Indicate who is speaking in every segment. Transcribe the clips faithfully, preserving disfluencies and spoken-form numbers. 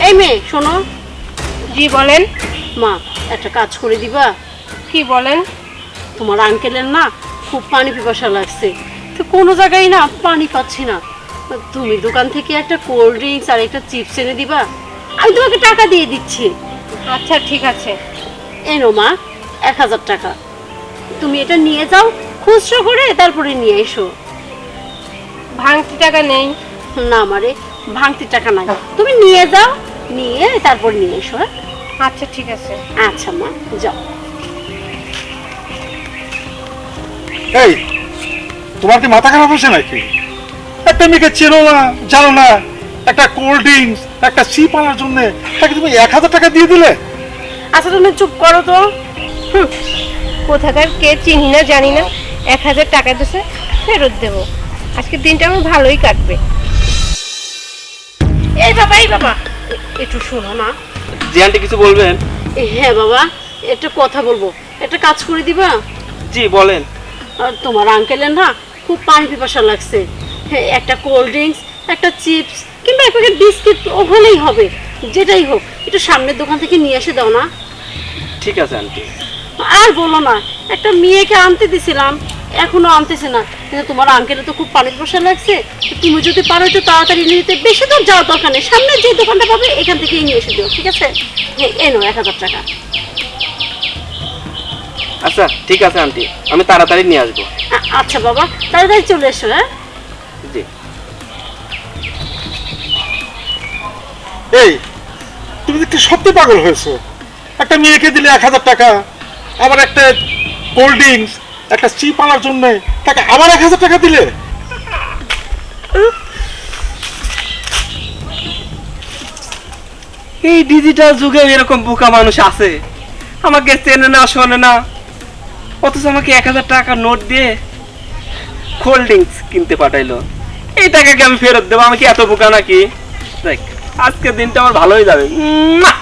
Speaker 1: এই মেয়ে শোনো।
Speaker 2: জি বলেন।
Speaker 1: মা একটা কাজ করে দিবা?
Speaker 2: কি বলেন?
Speaker 1: তোমার আঙ্কেলের না খুব পানি পিপাসা লাগছে, তো কোনো জায়গায় না পানি পাচ্ছি না। তুমি দোকান থেকে একটা কোল্ড ড্রিঙ্কস আর একটা চিপস এনে দিবা, আমি তোমাকে টাকা দিয়ে দিচ্ছি।
Speaker 2: আচ্ছা ঠিক আছে।
Speaker 1: এনো মা, এক হাজার টাকা। তুমি এটা নিয়ে যাও, খুচরো করে তারপরে নিয়ে এসো।
Speaker 2: ভাঙতি টাকা নেই।
Speaker 1: না মারে, ভাঙতি টাকা নাই, তুমি নিয়ে যাও, নিয়ে তারপর নিয়ে এসো। হ্যাঁ
Speaker 2: আচ্ছা ঠিক আছে।
Speaker 1: আচ্ছা মা, যাও।
Speaker 3: এই তোমার কি মাথা খারাপ হয়েছে নাকি? একটা মেয়েকে চেনো না, জানো না, একটা কোল্ড ড্রিঙ্কস একটা চিপ আনার জন্য তাকে তুমি এক হাজার টাকা দিয়ে দিলে?
Speaker 1: আচ্ছা তুমি চুপ করো তো।
Speaker 2: হুম, কোথাকার কে চিনি না জানি না, এক হাজার টাকা দিছে, ফেরত দেবো। আজকের দিনটা আমার ভালোই কাটবে।
Speaker 1: এই বাবা, এই বাবা, একটু শোনো না।
Speaker 4: জি আন্টি, কিছু বলবেন?
Speaker 1: হ্যাঁ বাবা, একটা কথা বলবো, একটা কাজ করে দিবা?
Speaker 4: জি বলেন।
Speaker 1: আর তোমার আঙ্কেলের না খুব পানি পিপাসা লাগছে, হ্যাঁ, একটা কোল্ড ড্রিঙ্কস একটা চিপস কিংবা এক প্যাকেট বিস্কিট ওখানেই হবে, যেটাই হোক একটু সামনের দোকান থেকে নিয়ে এসে দাও না।
Speaker 4: ঠিক আছে আন্টি।
Speaker 1: আর বলো না, একটা মেয়েকে আনতে দিছিলাম, এখনো আনতেছে না, কিন্তু তোমার আঙ্কেলের তো খুব পানি পিপাসা লাগছে, তো তুমি যদি পারো একটু তাড়াতাড়ি নিতে, বেশি দূর যাওয়ার দরকার নেই, সামনে যে দোকানটা পাবে এখান থেকেই নিয়ে এসে দিও, ঠিক আছে? হ্যাঁ এনো এক হাজার টাকা।
Speaker 4: আচ্ছা ঠিক আছে আন্টি, আমি তাড়াতাড়ি নিয়ে আসবো।
Speaker 1: আ- আচ্ছা বাবা, তাড়াতাড়ি চলে এসো। হ্যাঁ
Speaker 4: জি।
Speaker 3: এই তুমি দেখতে সত্যি পাগল হয়েছো। একটা মেয়েকে দিলে এক হাজার টাকা, আবার একটা কোল্ড ড্রিঙ্কস একটা চিপ আনার জন্য তাকে আবার এক হাজার টাকা দিলে?
Speaker 4: এই ডিজিটাল যুগেও এরকম বোকা মানুষ আছে, আমাকে চেনে না শোনে না, অথচ আমাকে এক হাজার টাকা নোট দিয়ে কোল্ড ড্রিঙ্কস কিনতে পাঠাইলো। এই টাকাকে আমি ফেরত দেবো? আমি কি এত বোকা নাকি? দেখ, আজকের দিনটা আমার ভালোই যাবে। মুয়া!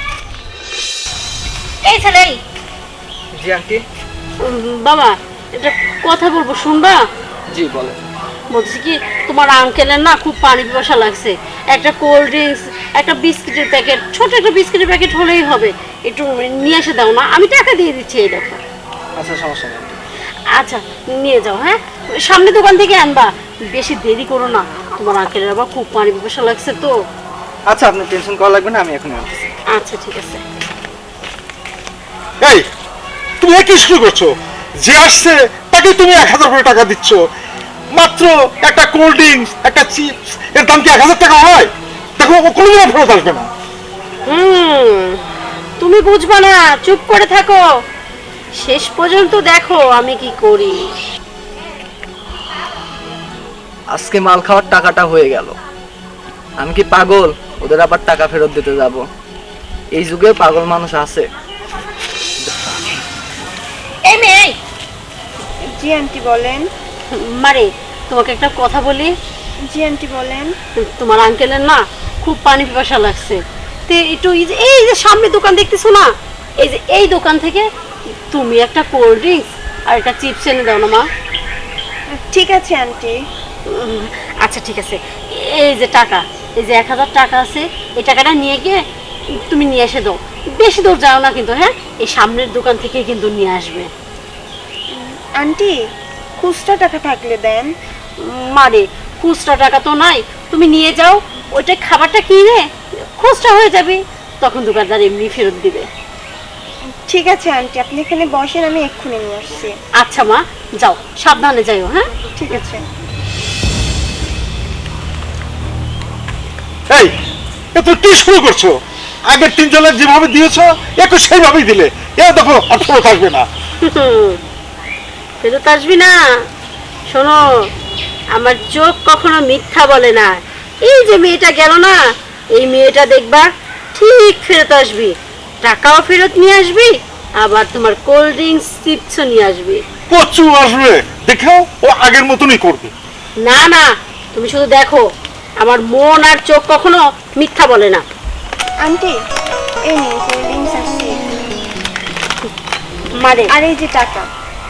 Speaker 1: এই ছেলে,
Speaker 4: জি আন্টি।
Speaker 1: উম, বাবা একটা কথা বলবো, শুনবা?
Speaker 4: জি বলেন।
Speaker 1: বলছি কি, তোমার আঙ্কেলের না খুব পানি পিপাসা লাগছে, একটা কোল্ড ড্রিঙ্কস একটা বিস্কিটের প্যাকেট, ছোট একটা বিস্কিটের প্যাকেট হলেই হবে, একটু নিয়ে এসে দাও না, আমি টাকা দিয়ে দিচ্ছি, এই দেখো।
Speaker 4: আচ্ছা সমস্যা নেই আন্টি।
Speaker 1: আচ্ছা নিয়ে যাও। হ্যাঁ সামনে দোকান থেকে আনবা, বেশি দেরি করো না, তোমার আঙ্কেলের আবার খুব পানি পিপাসা লাগছে তো।
Speaker 4: আচ্ছা আপনি টেনশন করা লাগবে না, আমি এখন আনতেছি।
Speaker 1: আচ্ছা ঠিক আছে।
Speaker 3: এই তুমি কি শুরু করছো? যে আসছে তাকে তুমি এক হাজার করে টাকা দিচ্ছ, মাত্র একটা কোল্ড ড্রিঙ্কস একটা চিপস এর দাম কি এক হাজার টাকা হয়? দেখো ও কোনোদিনও ফেরত আসবে না।
Speaker 1: হুম, তুমি বুঝবা না, চুপ করে থাকো, শেষ পর্যন্ত দেখো আমি কি করি।
Speaker 5: আজকে মাল খাওয়ার টাকাটা হয়ে গেল, আমি কি পাগল ওদের আবার টাকা ফেরত দিতে যাব? এই যুগে পাগল মানুষ আছে।
Speaker 1: এই মেয়ে,
Speaker 2: জি আন্টি বলেন।
Speaker 1: মারে তোমাকে একটা কথা বলি।
Speaker 2: জি আন্টি বলেন।
Speaker 1: তোমার আঙ্কেলের না খুব পানি পিপাসা লাগছে, তো একটু এই যে এই যে সামনে দোকান দেখতেছো না, এই যে এই দোকান থেকে তুমি একটা কোল্ড ড্রিঙ্কস আর একটা চিপস এনে দাও না মা।
Speaker 2: ঠিক আছে আন্টি।
Speaker 1: উম, আচ্ছা ঠিক আছে, এই যে টাকা, এই যে এক হাজার টাকা আছে, এই টাকাটা নিয়ে গিয়ে তুমি নিয়ে এসে দাও, বেশি দূর যাও না কিন্তু, হ্যাঁ এই সামনের দোকান থেকে কিন্তু নিয়ে আসবে।
Speaker 2: আন্টি খুচরা টাকা থাকলে দেন।
Speaker 1: উম, মারে খুচরা টাকা তো নাই, তুমি নিয়ে যাও, ওইটা খাবারটা কিনে খুচরা হয়ে যাবে, তখন দোকানদার এমনি ফেরত দিবে।
Speaker 2: ঠিক আছে আন্টি, আপনি এখানে বসেন, আমি এক্ষুনি নিয়ে আসছি।
Speaker 1: আচ্ছা মা, যাও সাবধানে যাইও। হ্যাঁ
Speaker 2: ঠিক আছে।
Speaker 3: এই এ তুমি কি শুরু করছো? আগের তিনজনের যেভাবে দিয়েছো একটু সেইভাবেই দিলে, এ দেখো আর ফেরত আসবে না।
Speaker 1: ফেরত আসবি না? শোনো, আমার চোখ কখনো মিথ্যা বলে না, এই যে মেয়েটা গেল না, এই মেয়েটা দেখবা ঠিক ফেরত আসবি, টাকাও ফেরত নিয়ে আসবি, আবার তোমার কোল্ড ড্রিঙ্কস চিপসও নিয়ে আসবি।
Speaker 3: প্রচুর আসবে, দেখো ও আগের মতনই করবে।
Speaker 1: না না, তুমি শুধু দেখো, আমার মন আর চোখ কখনো মিথ্যা বলে না।
Speaker 2: আন্টি এই নিন কোল্ড ড্রিঙ্কস আসছি,
Speaker 1: মারে
Speaker 2: আর এই যে টাকা।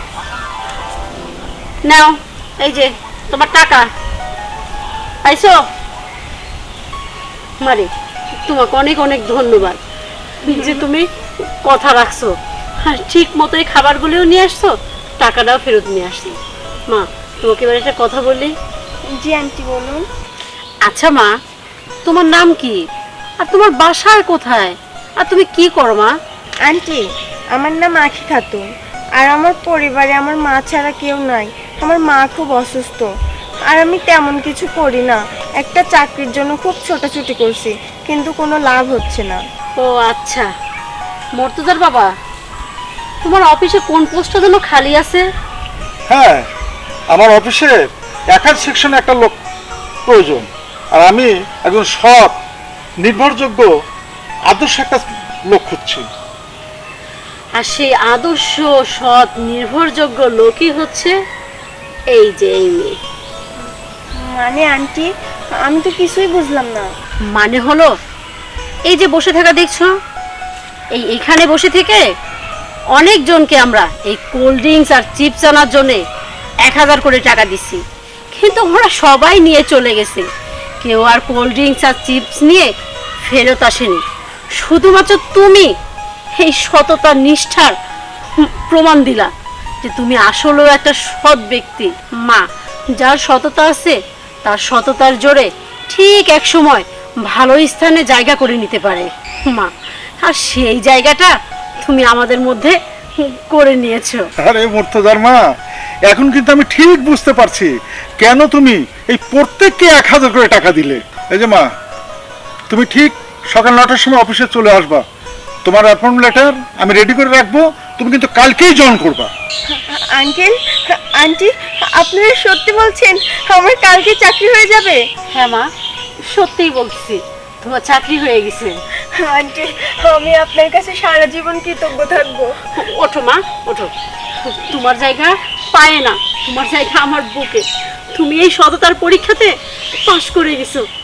Speaker 1: নাও, এই যে তোমার টাকা, পাইছো? মারে তোমাকে অনেক অনেক ধন্যবাদ যে তুমি কথা রাখছো, আর ঠিক মতো এই খাবারগুলোও নিয়ে আসছো, টাকাটাও ফেরত নিয়ে আসছো। মা, তোমাকে এবার একটা কথা বলি।
Speaker 2: জি আন্টি বলুন।
Speaker 1: আচ্ছা মা, তোমার নাম কি, আর তোমার বাসায় কোথায়, আর তুমি কি করো মা?
Speaker 6: আন্টি, আমার নাম আখি খাতুন, আর আমার পরিবারে আমার মা ছাড়া কেউ নাই। আমার মা খুব অসুস্থ, আর আমি তেমন কিছু করি না। একটা চাকরির জন্য খুব ছোটাছুটি করছি, কিন্তু কোনো লাভ হচ্ছে না।
Speaker 1: ও আচ্ছা, মর্তুজার বাবা, তোমার অফিসে কোন পোস্টটা যেন খালি আছে?
Speaker 3: হ্যাঁ, আমার অফিসে একার সেকশনে একটা লোক প্রয়োজন, আর আমি একজন সৎ, নির্ভরযোগ্য, আদর্শ একটা লোক খুঁজছি।
Speaker 1: আর সেই আদর্শ, সৎ, নির্ভরযোগ্য লোকই হচ্ছে এই যে এই মেয়ে।
Speaker 6: মানে আন্টি, আমি তো কিছুই বুঝলাম না।
Speaker 1: মানে হলো, এই যে বসে থাকা দেখছো, এই এখানে বসে থেকে অনেকজনকে আমরা এই কোল্ড ড্রিঙ্কস আর চিপস আনার জন্যে এক হাজার করে টাকা দিচ্ছি, কিন্তু ওরা সবাই নিয়ে চলে গেছে। কেউ আর কোল্ড ড্রিঙ্কস আর চিপস নিয়ে ফেরত আসেনি। শুধুমাত্র তুমি এই সততা নিষ্ঠার প্রমাণ দিলা যে তুমি আসলেও একটা সৎ ব্যক্তি। মা, যার সততা আছে তার সততার জোরে ঠিক এক সময় ভালো স্থানে জায়গা করে নিতে পারে মা, আর সেই জায়গাটা তুমি আমাদের মধ্যে করে নিয়েছো।
Speaker 3: আরে মুর্তজার মা, এখন কিন্তু আমি ঠিক বুঝতে পারছি কেন তুমি এই প্রত্যেককে এক হাজার করে টাকা দিলে। এই যে মা, তুমি ঠিক সকাল নটার সময় অফিসে চলে আসবা। তোমার অ্যাপয়েন্টমেন্ট লেটার আমি রেডি করে রাখবো, তুমি কিন্তু কালকেই জয়েন করবা।
Speaker 6: আঙ্কেল, আন্টি, আপনারা সত্যি বলছেন আমার কালকে চাকরি হয়ে যাবে?
Speaker 1: হ্যাঁ মা, সত্যিই বলছি, তোমার চাকরি হয়ে গেছে।
Speaker 6: আন্টি, আমি আপনার কাছে সারা জীবন কৃতজ্ঞ থাকবো।
Speaker 1: ওঠো মা, ওঠো। তোমার জায়গা পায় না, তোমার জায়গা আমার বুকে। তুমি এই সততার পরীক্ষাতে পাশ করে গেছো।